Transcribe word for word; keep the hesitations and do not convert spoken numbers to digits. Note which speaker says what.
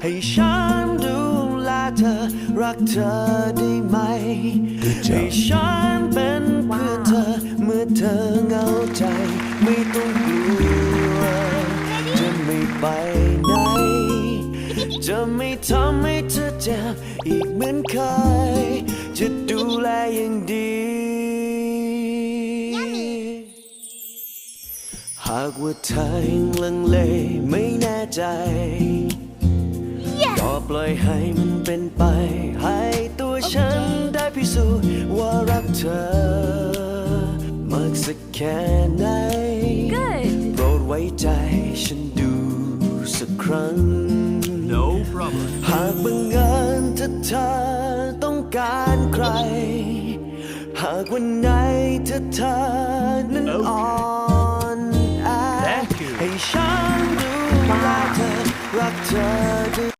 Speaker 1: ให้ฉันดูแลเธอรักเธอได้ไหมให้ฉันเป็นเพื่อนเธอเมื่อเธอเหงาใจไม่ต้องกลัวจะไม่ไปไหนจะไม่ทำให้เธอเจ็บอีกเหมือนเคยจะดูแลอย่างดีหากว่าเธอยังลังเลไม่แน่ใจก็ปล่อยให้มันเป็นไปให้ตัวฉันได้พิสูจน์ว่ารักเธอมากสักแค่ไหนโปรดไว้ใจฉันดูสักครั้ง
Speaker 2: No problem
Speaker 1: หากบังเอิญถ้าเธอต้องการใครหากวันไหนถ้าเธอนั้นอ่อนแอให้ฉันดูแลเธอรักเธอ